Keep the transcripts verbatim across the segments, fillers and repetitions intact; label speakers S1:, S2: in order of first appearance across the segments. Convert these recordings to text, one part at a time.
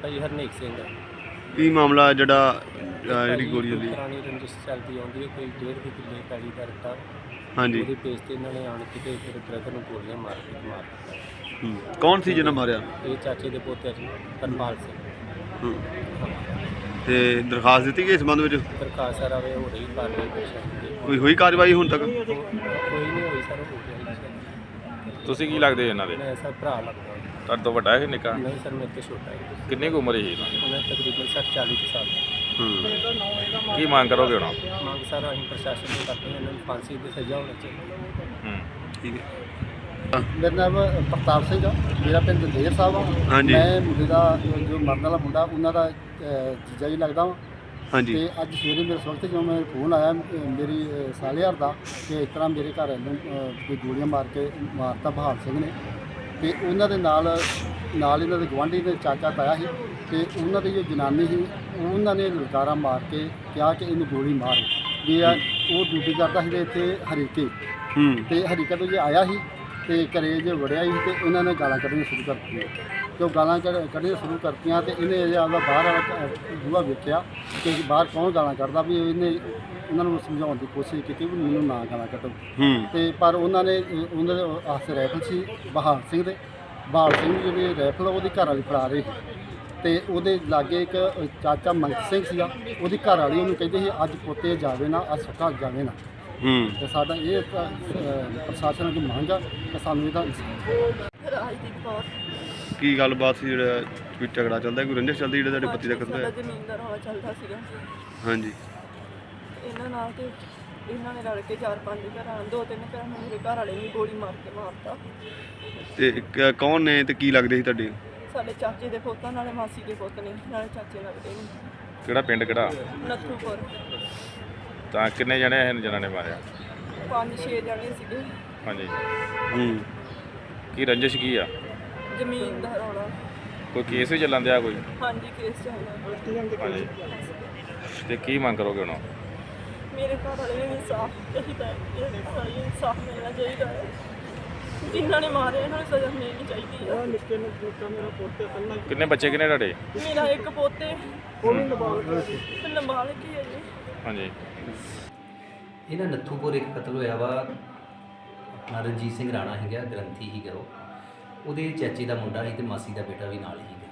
S1: बेटा जी हरनेक सिंह है।
S2: ਕੀ ਮਾਮਲਾ ਜਿਹੜਾ
S1: ਇਹ
S2: ਅਹ, ਜਿਹੜੀ
S1: ਭਾਜੀ
S2: ਗੋਲੀ
S1: ਕੋਈ
S2: ਚੱਲੀ?
S1: ਪੁਰਾਣੀ ਰੰਜਿਸ਼ ਚੱਲਦੀ ਆਉਂਦੀ ਹੈ, ਕੋਈ ਡੇਢ ਕੁ ਕਿੱਲੇ ਪੈਲੀ ਦਾ ਰੱਟਾ।
S2: ਹਾਂਜੀ।
S1: ਉਹਦੇ ਪੇਜ ਤੇ ਇਹਨਾਂ ਨੇ ਆਣ ਕੇ ਤੇ ਫਿਰ ਬ੍ਰਦਰ ਨੂੰ ਗੋਲੀਆਂ ਮਾਰ ਕੇ ਮਾਰ ਦਿੱਤਾ।
S2: ਹੂੰ। ਕੌਣ ਸੀ ਜਿਹਨੇ ਮਾਰਿਆ?
S1: ਇਹ ਚਾਚੇ ਦੇ ਪੋਤੇ ਜੀ ਹਰਪਾਲ ਸਿੰਘ।
S2: ਹੂੰ। ਤੇ ਦਰਖਾਸਤ ਦਿੱਤੀ ਗਈ ਇਸ ਸੰਬੰਧ ਵਿੱਚ?
S1: ਦਰਖਾਸਤ ਸਰ ਆਵੇ ਹੋ ਰਹੀ ਕਾਰਵਾਈ ਪ੍ਰਸ਼ਾਸਨ ਦੀ।
S2: ਕੋਈ ਹੋਈ ਕਾਰਵਾਈ ਹੁਣ ਤੱਕ?
S1: ਕੋਈ ਨਹੀਂ ਹੋਈ ਸਰ, ਹੋ ਗਿਆ ਜੀ।
S3: ਤੁਸੀਂ ਕੀ ਲੱਗਦੇ ਇਹਨਾਂ ਦੇ?
S1: ਮੈਂ ਸਰ ਭਰਾ ਲੱਗਦਾ।
S3: ਤੁਹਾਡੇ ਤੋਂ ਵੱਡਾ ਹੈ ਨਿੱਕਾ?
S1: ਨਹੀਂ ਸਰ, ਮੇਰੇ ਤੋਂ ਛੋਟਾ ਹੈ।
S3: ਕਿੰਨੀ ਕੁ ਉਮਰ ਹੈ ਇਹਨਾਂ ਦੀ?
S1: ਉਹਨਾਂ ਤਕਰੀਬਨ ਸੱਠ ਚਾਲੀ ਕੁ ਸਾਲ।
S2: ਹੂੰ।
S3: ਕੀ ਮੰਗ ਕਰੋਗੇ ਹੁਣ?
S1: ਮੰਗ ਸਰ ਅਸੀਂ ਪ੍ਰਸ਼ਾਸਨ ਤੋਂ ਕਰਦੇ ਹਾਂ, ਇਹਨਾਂ ਨੂੰ ਫਾਂਸੀ ਦੀ ਸਜ਼ਾ ਹੋਣੀ ਚਾਹੀਦੀ।
S3: ਹੂੰ।
S2: ਠੀਕ ਹੈ।
S4: ਮੇਰਾ ਨਾਮ ਪ੍ਰਤਾਪ ਸਿੰਘ ਆ, ਮੇਰਾ ਪਿੰਡ ਦਲੇਰ ਸਾਹਿਬ ਆ।
S2: ਹਾਂਜੀ।
S4: ਮੈਂ ਮੁੰਡੇ ਦਾ ਜੋ ਮਰਨ ਵਾਲਾ ਮੁੰਡਾ ਉਹਨਾਂ ਦਾ ਅਹ, ਜੀਜਾ ਜੀ ਲੱਗਦਾ ਵਾਂ।
S2: ਹਾਂਜੀ।
S4: ਤੇ ਅੱਜ ਸਵੇਰੇ ਮੇਰੇ ਵਕਤ ਜਦੋਂ ਮੈਂ ਫੋਨ ਆਇਆ ਅਹ, ਮੇਰੀ ਅਹ, ਸਾਲੇਹਾਰ ਦਾ ਕਿ ਇਸ ਤਰ੍ਹਾਂ ਮੇਰੇ ਘਰ ਨੂੰ ਅਹ, ਕੋਈ ਗੋਲੀਆਂ ਮਾਰ ਕੇ ਮਾਰਤਾ ਬਹਾਲ ਸਿੰਘ ਨੇ। ਤੇ ਉਹਨਾਂ ਦੇ ਨਾਲ ਨਾਲ ਇਹਨਾਂ ਦੇ ਗੁਆਂਢੀ ਦੇ ਚਾਚਾ ਤਾਇਆ ਸੀ ਤੇ ਉਹਨਾਂ ਦੀ ਜੋ ਜਨਾਨੀ ਸੀ ਉਹਨਾਂ ਨੇ ਲਲਕਾਰਾ ਮਾਰ ਕੇ ਕਿਹਾ ਕਿ ਇਹਨੂੰ ਗੋਲੀ ਮਾਰ ਵੀ ਆ। ਉਹ ਡਿਊਟੀ ਕਰਦਾ ਸੀ ਇੱਥੇ ਹਰੀਕੇ
S2: ਹੂੰ।
S4: ਤੇ ਹਰੀਕਾ ਤੋਂ ਜੇ ਆਇਆ ਸੀ ਤੇ ਘਰੇ ਜੇ ਵੜਿਆ ਸੀ ਤੇ ਇਹਨਾਂ ਨੇ ਗਾਲਾਂ ਕੱਢਣੀਆਂ ਸ਼ੁਰੂ ਕਰ ਦਿੱਤੀਆਂ। ਤੇ ਉਹ ਗਾਲਾਂ ਕੱਢ- ਕੱਢਣੀਆਂ ਸ਼ੁਰੂ ਕਰਤੀਆਂ ਤੇ ਇਹਨੇ ਅਜੇ ਆਪਦਾ ਬਾਹਰ ਵਾਲਾ ਬੂਹਾ ਵੇਖਿਆ ਕਿ ਬਾਹਰ ਕੌਣ ਗਾਲਾਂ ਕੱਢਦਾ, ਵੀ ਇਹਨੇ ਉਹਨਾਂ ਨੂੰ ਸਮਝਾਉਣ ਦੀ ਕੋਸ਼ਿਸ਼ ਕੀਤੀ ਵੀ ਮੈਨੂੰ ਨਾ ਗਾਲਾਂ ਕੱਢੋ।
S2: ਹੂੰ।
S4: ਤੇ ਪਰ ਉਹਨਾਂ ਨੇ ਅ, ਉਹਨਾਂ ਦੇ ਆਸ ਰਾਈਫਲ ਸੀ ਬਹਾਲ ਸਿੰਘ ਦੇ। ਬਹਾਲ ਸਿੰਘ ਜਿਹੜੀ ਰਾਈਫਲ ਉਹਦੀ ਘਰ ਵਾਲੀ ਫੜਾ ਰਹੇ ਸੀ ਤੇ ਉਹਦੇ ਲਾਗੇ ਇੱਕ ਚਾਚਾ ਮੰਗਤ ਸਿੰਘ ਸੀਗਾ, ਉਹਦੀ ਘਰ ਵਾਲੀ ਉਹਨੂੰ ਕਹਿੰਦੇ ਸੀ ਅੱਜ ਪੁੱਤੇ ਜਾਵੇ ਨਾ, ਅੱਜ ਸੁੱਕਾ ਜਾਵੇ ਨਾ।
S2: ਹੂੰ।
S4: ਤੇ ਸਾਡਾ ਇਹ ਇੱਕ, ਅ, ਪ੍ਰਸ਼ਾਸਨ ਦੀ ਮੰਗ ਆ ਕਿ ਸਾਨੂੰ ਇਹਦਾ ਇਨਸਾਫ਼।
S5: ਰਾਜਦੀਪ ਕੌਰ।
S2: ਕੀ ਗੱਲਬਾਤ ਸੀ ਜਿਹੜਾ ਕੋਈ ਝਗੜਾ ਚੱਲਦਾ, ਕੋਈ ਰੰਜਿਸ਼ ਚੱਲਦੀ ਜਿਹੜਾ ਤੁਹਾਡੇ ਪਤੀ ਦਾ ਕਤਲ
S5: ਸਾਡਾ
S2: ਹੋਇਆ?
S5: ਜ਼ਮੀਨ ਦਾ ਰੌਲਾ ਚੱਲਦਾ ਸੀਗਾ
S2: ਹਾਂਜੀ।
S5: ਇਹਨਾਂ ਨਾਲ, ਤੇ ਇਹਨਾਂ ਨੇ ਰਲ ਕੇ ਚਾਰ ਪੰਜ ਘਰਾਂ ਦੋ ਤਿੰਨ ਘਰਾਂ ਨੂੰ ਮੇਰੇ ਘਰ ਵਾਲੇ ਨੂੰ ਗੋਲੀ ਮਾਰ ਕੇ ਮਾਰਤਾ।
S2: ਤੇ ਕ- ਕੌਣ ਨੇ ਤੇ ਕੀ ਲੱਗਦੇ ਸੀ ਤੁਹਾਡੇ?
S5: ਸਾਡੇ ਚਾਚੇ ਦੇ ਪੁੱਤਾਂ ਨਾਲੇ ਮਾਸੀ ਦੇ ਪੁੱਤ ਨੇ, ਨਾਲੇ ਚਾਚੇ ਲੱਗਦੇ ਨੇ।
S3: ਕਿਹੜਾ ਪਿੰਡ ਕਿਹੜਾ?
S5: ਨੱਥੂਪੁਰ।
S3: ਤਾਂ ਕਿੰਨੇ ਜਣੇ ਇਹ ਜਿਹਨਾਂ ਨੇ ਮਾਰਿਆ?
S5: ਪੰਜ ਛੇ ਜਣੇ ਸੀਗੇ।
S3: ਹਾਂਜੀ।
S2: ਹੂੰ।
S3: ਕੀ ਰੰਜਿਸ਼ ਕੀ ਆ?
S5: ਜ਼ਮੀਨ ਦਾ ਰੌਲਾ।
S3: ਕੋਈ ਕੇਸ ਵੀ ਚੱਲਣ ਦਿਆ ਕੋਈ?
S5: ਹਾਂਜੀ, ਕੇਸ ਚੱਲਦਾ।
S3: ਹਾਂਜੀ। ਤੇ ਕੀ ਮੰਗ ਕਰੋਗੇ ਹੁਣ?
S5: ਮੇਰੇ ਘਰ ਵਾਲੇ ਨੂੰ ਇਨਸਾਫ ਚਾਹੀਦਾ ਹੈ। ਮੇਰੇ ਘਰ ਵਾਲੇ ਨੂੰ ਇਨਸਾਫ ਮਿਲਣਾ ਚਾਹੀਦਾ ਹੈ। ਜਿਨ੍ਹਾਂ ਨੇ ਮਾਰਿਆ ਇਹਨਾਂ ਨੂੰ ਸਜ਼ਾ ਮਿਲਣੀ ਚਾਹੀਦੀ ਹੈ। ਨਿੱਕੇ ਨੂੰ ਮੇਰਾ ਪੋਤੇ ਕੱਲਾ।
S3: ਕਿੰਨੇ ਬੱਚੇ ਕਿੰਨੇ ਤੁਹਾਡੇ?
S5: ਮੇਰਾ ਇੱਕ ਪੋਤੇ, ਉਹ ਵੀ ਨਾਬਾਲਗ ਹੈ। ਨਾਬਾਲਗ ਹੀ ਹੈ ਜੀ।
S3: ਹਾਂਜੀ।
S6: ਇਹਨਾਂ ਨੱਥੂਪੁਰ ਇੱਕ ਕਤਲ ਹੋਇਆ ਵਾ। ਆਪਣਾ ਰਣਜੀਤ ਸਿੰਘ ਰਾਣਾ ਸੀਗਾ, ਗ੍ਰੰਥੀ ਸੀਗਾ ਉਹ। ਉਹਦੇ ਚਾਚੇ ਦਾ ਮੁੰਡਾ ਸੀ ਤੇ ਮਾਸੀ ਦਾ ਬੇਟਾ ਵੀ ਨਾਲ ਸੀਗਾ।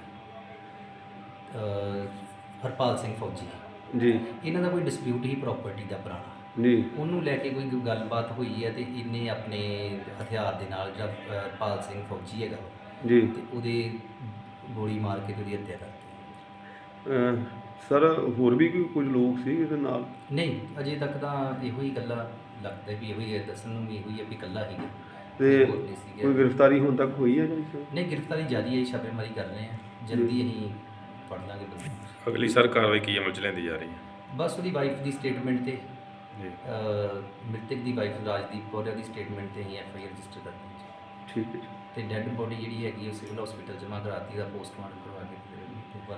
S6: ਅਹ ਹਰਪਾਲ ਸਿੰਘ ਫੌਜੀ।
S2: ਜੀ।
S6: ਇਹਨਾਂ ਦਾ ਕੋਈ ਡਿਸਪਿਊਟ ਸੀ ਪ੍ਰਾਪਰਟੀ ਦਾ ਪੁਰਾਣਾ।
S2: ਜੀ।
S6: ਉਹਨੂੰ ਲੈ ਕੇ ਕੋਈ ਗੱਲਬਾਤ ਹੋਈ ਹੈ ਤੇ ਇਹਨੇ ਆਪਣੇ ਹਥਿਆਰ ਦੇ ਨਾਲ ਜਿਹੜਾ ਅਹ, ਹਰਪਾਲ ਸਿੰਘ ਫੌਜੀ ਹੈਗਾ ਉਹ,
S2: ਜੀ।
S6: ਤੇ ਉਹਦੇ ਗੋਲੀ ਮਾਰ ਕੇ ਤੇ ਉਹਦੀ ਹੱਤਿਆ ਕਰਤੀ।
S2: ਅਹ, ਸਰ ਹੋਰ ਵੀ ਕੋਈ ਕੁਝ ਲੋਕ ਸੀ ਇਹਦੇ ਨਾਲ?
S6: ਨਹੀਂ, ਅਜੇ ਤੱਕ ਤਾਂ ਇਹੋ ਹੀ ਗੱਲਾਂ ਲੱਗਦਾ ਵੀ ਇਹੋ ਹੀ ਹੈ, ਦੱਸਣ ਨੂੰ ਵੀ ਇਹੋ ਹੀ ਹੈ ਵੀ ਇਕੱਲਾ ਸੀਗਾ।
S2: ਤੇ
S6: ਹੋਰ ਨਹੀਂ ਸੀਗਾ।
S2: ਕੋਈ ਗ੍ਰਿਫਤਾਰੀ ਹੁਣ ਤੱਕ ਹੋਈ ਹੈ ਜੀ?
S6: ਨਹੀਂ, ਗ੍ਰਿਫਤਾਰੀ ਜਾਰੀ ਹੈ, ਛਾਪੇਮਾਰੀ ਕਰ ਰਹੇ ਹਾਂ। ਜਲਦੀ ਅਸੀਂ ਫੜ ਲਾਂਗੇ ਬੰਦੇ ਨੂੰ।
S3: ਅਗਲੀ ਸਰ ਕਾਰਵਾਈ ਕੀ ਅਮਲ ਚ ਲੈਂਦੀ ਜਾ ਰਹੀ ਹੈ?
S6: ਬਸ ਉਹਦੀ ਵਾਈਫ ਦੀ ਸਟੇਟਮੈਂਟ ਤੇ
S3: ਜੀ।
S6: ਅਹ, ਮ੍ਰਿਤਕ ਦੀ ਵਾਈਫ ਰਾਜਦੀਪ ਕੌਰ ਦੀ ਸਟੇਟਮੈਂਟ ਤੇ ਅਸੀਂ ਐਫ ਆਈ ਆਰ ਰਜਿਸਟਰ ਕਰਨੀ ਹੈ ਜੀ।
S2: ਠੀਕ ਹੈ ਜੀ।
S6: ਤੇ ਡੈੱਡ ਬੋਡੀ ਜਿਹੜੀ ਹੈਗੀ ਉਹ ਸਿਵਲ ਹਸਪੀਟਲ ਜਮ੍ਹਾਂ ਕਰਾਤੀ ਦਾ ਪੋਸਟਮਾਰਟਮ ਕਰਵਾ ਕੇ